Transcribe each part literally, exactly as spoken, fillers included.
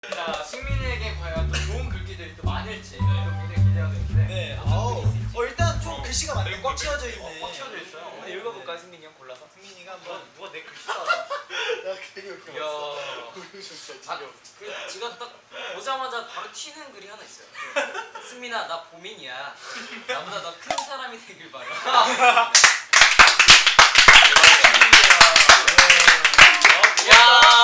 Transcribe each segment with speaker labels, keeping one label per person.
Speaker 1: 자, 승민이에게 과연 또 좋은 글귀들이 또 많을지 또 굉장히 기대가 되는데.
Speaker 2: 네. 아우. 어 일단 좀 글씨가 많네. 꽉 채워져 있네.
Speaker 1: 꽉 채워져 있어요.
Speaker 3: 한번 읽어볼까요, 승민이 형 골라서?
Speaker 2: 승민이가
Speaker 3: 누가,
Speaker 2: 한번.
Speaker 3: 누가 내 글씨 알아?
Speaker 2: 나 괜히 이렇게
Speaker 3: 이야.
Speaker 2: 봤어.
Speaker 3: 아, 그 제가 딱 보자마자 바로 튀는 글이 하나 있어요. 승민아, 나 보민이야. 나보다 더 큰 사람이 되길 바래. 야,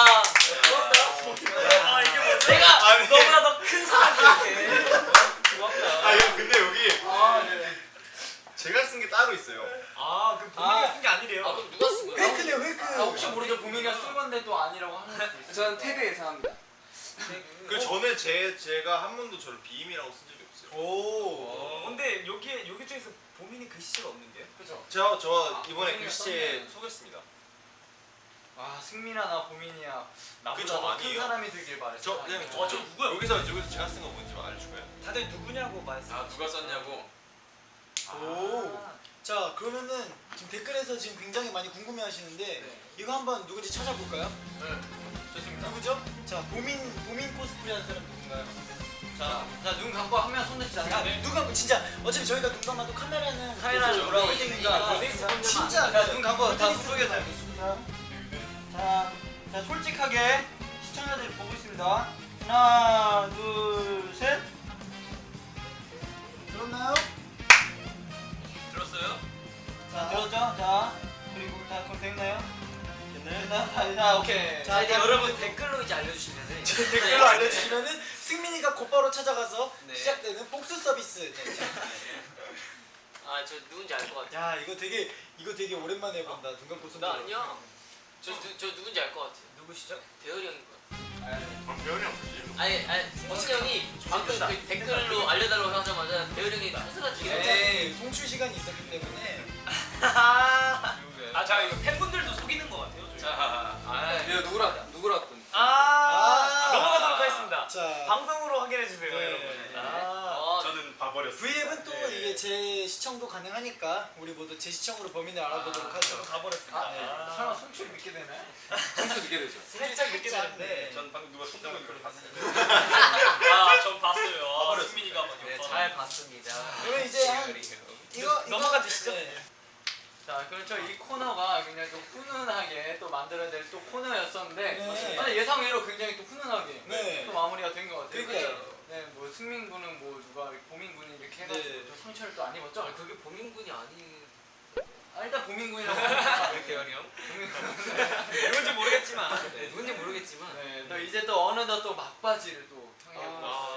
Speaker 1: 아, 이게 뭐야?
Speaker 3: 내가
Speaker 4: 아니.
Speaker 3: 너보다 더 큰 사람이 돼. 고맙다.
Speaker 4: 아 형 근데 여기
Speaker 1: 아, 네.
Speaker 4: 제가 쓴 게 따로 있어요.
Speaker 3: 아, 그
Speaker 2: 보민이가
Speaker 3: 쓴 게 아니래요. 아, 그럼 누가 쓴 거야?
Speaker 2: 웨이크네 웨이크.
Speaker 1: 아, 혹시 모르죠? 보민이가 쓴 건데 또 아니라고 하는 수도 있어요.
Speaker 5: 저는 태그 예상합니다.
Speaker 4: 그 저는 제 제가 한 번도 저를 비임이라고 쓴 적이 없어요.
Speaker 2: 오.
Speaker 3: 근데 여기에 여기 중에서 보민이 글씨가 없는데요?
Speaker 1: 그죠?
Speaker 4: 저 저
Speaker 1: 아,
Speaker 4: 이번에
Speaker 1: 보민이가
Speaker 4: 글씨체
Speaker 1: 썼네.
Speaker 4: 소개했습니다.
Speaker 1: 아, 승민아 나 보민이야. 나보다
Speaker 4: 그저
Speaker 1: 더 큰
Speaker 4: 아니에요.
Speaker 1: 사람이 되길 바래.
Speaker 4: 저 그냥
Speaker 1: 아,
Speaker 4: 저, 저 누구야? 여기서 여기서 제가 쓴 거 뭔지 알려줄까요?
Speaker 3: 다들 누구냐고 말했어요.
Speaker 1: 아, 누가 썼냐고?
Speaker 2: 오. 자 그러면은 지금 댓글에서 지금 굉장히 많이 궁금해하시는데
Speaker 1: 네.
Speaker 2: 이거 한번 누군지 찾아볼까요?
Speaker 1: 네. 좋습니다.
Speaker 2: 누구죠? 자 보민 보민 코스프레한 사람 누군가요?
Speaker 1: 자, 자, 눈 감고 한 명 손대시잖아요.
Speaker 2: 아 누가 진짜 어차피 저희가 눈 감아도 카메라는
Speaker 1: 카메라는
Speaker 2: 계속
Speaker 1: 돌아오고
Speaker 2: 있으니까
Speaker 1: 있으니까
Speaker 2: 네, 진짜
Speaker 1: 자, 눈 감고 다
Speaker 2: 눈이
Speaker 1: 속에 다 있습니다. 자, 자, 솔직하게 시청자들이 보고 있습니다. 하나, 둘, 셋.
Speaker 2: 들었나요?
Speaker 3: 들었어요?
Speaker 1: 자, 들었죠? 자, 그리고 다 그럼 됐나요? 됐나요? 자, 자, 오케이.
Speaker 3: 자, 이제
Speaker 2: 자,
Speaker 3: 여러분 댓글로 이제 알려주시면은
Speaker 2: 댓글로 알려주시면은 승민이가 곧바로 찾아가서
Speaker 3: 네.
Speaker 2: 시작되는 복수 서비스. 네.
Speaker 3: 아, 저 누군지 알 것 같아요.
Speaker 2: 야 이거 되게 이거 되게 오랜만에 본다. 눈 감고 손
Speaker 3: 나
Speaker 2: 들어.
Speaker 3: 아니야. 저, 누, 저 누군지 알 것 같아요. 누구시죠? 대열이 형인 것 같아요.
Speaker 4: 아 배현이 형 쓰지.
Speaker 3: 아니, 아니, 승진 형이 방금 그 댓글로 알려달라고 하자마자 대열이 형이 투스가지고
Speaker 2: 네, 송출 시간이 있었기 때문에
Speaker 3: 아, 자, 이거 팬분들도 속이는 것 같아요. 저희.
Speaker 1: 자, 아,
Speaker 5: 이거 누구라 누구라 군.
Speaker 3: 아,
Speaker 2: 아.
Speaker 3: 넘어가도록 하겠습니다.
Speaker 2: 자
Speaker 3: 방송으로 확인해 주세요,
Speaker 2: 네.
Speaker 3: 여러분.
Speaker 2: 네.
Speaker 3: 아,
Speaker 4: 저는 봐버렸어요.
Speaker 2: V앱은 또
Speaker 3: 네.
Speaker 2: 이게 제 시청도 가능하니까 우리 모두 제 시청으로 범인을 알아보도록 하죠.
Speaker 3: 가버렸습니다.
Speaker 1: 아,
Speaker 2: 네.
Speaker 1: 설마 송출 믿게 되나요?
Speaker 5: 평소 느게 되죠.
Speaker 3: 살짝 늦게
Speaker 2: 살짝,
Speaker 3: 되는데.
Speaker 2: 네.
Speaker 4: 전 방금 누가 손잡은 걸 봤어요.
Speaker 3: 아, 전 봤어요. 아,
Speaker 4: 봐버렸어요.
Speaker 3: 승민이가 막
Speaker 5: 네,
Speaker 3: 옆방에.
Speaker 5: 잘 봤습니다.
Speaker 2: 그러면 이제 한
Speaker 5: 대열이 형.
Speaker 2: 이거
Speaker 3: 넘어가
Speaker 2: 이거-
Speaker 3: 주시죠.
Speaker 2: 네.
Speaker 1: 자, 그렇죠. 이 코너가 굉장히 또 훈훈하게 또 만들어야 될 또 코너였었는데
Speaker 2: 네.
Speaker 1: 아니, 예상 외로 굉장히 또 훈훈하게
Speaker 2: 네.
Speaker 1: 또 마무리가 된 것 같아요.
Speaker 2: 그러니까요.
Speaker 1: 그죠? 네, 뭐 승민 군은 뭐 누가 보민 군이 이렇게 해가지고
Speaker 2: 네.
Speaker 1: 또 상처를 또 안 입었죠?
Speaker 3: 아, 그게 보민군이 아니.
Speaker 1: 아, 일단 보민 군이라고 합니다.
Speaker 3: 대열이 형?
Speaker 1: 보민 군.
Speaker 3: 누군지 모르겠지만. 네, 누군지 모르겠지만.
Speaker 1: 네, 또 이제 또 어느덧 또 막바지를 또 향해
Speaker 2: 아.
Speaker 1: 보고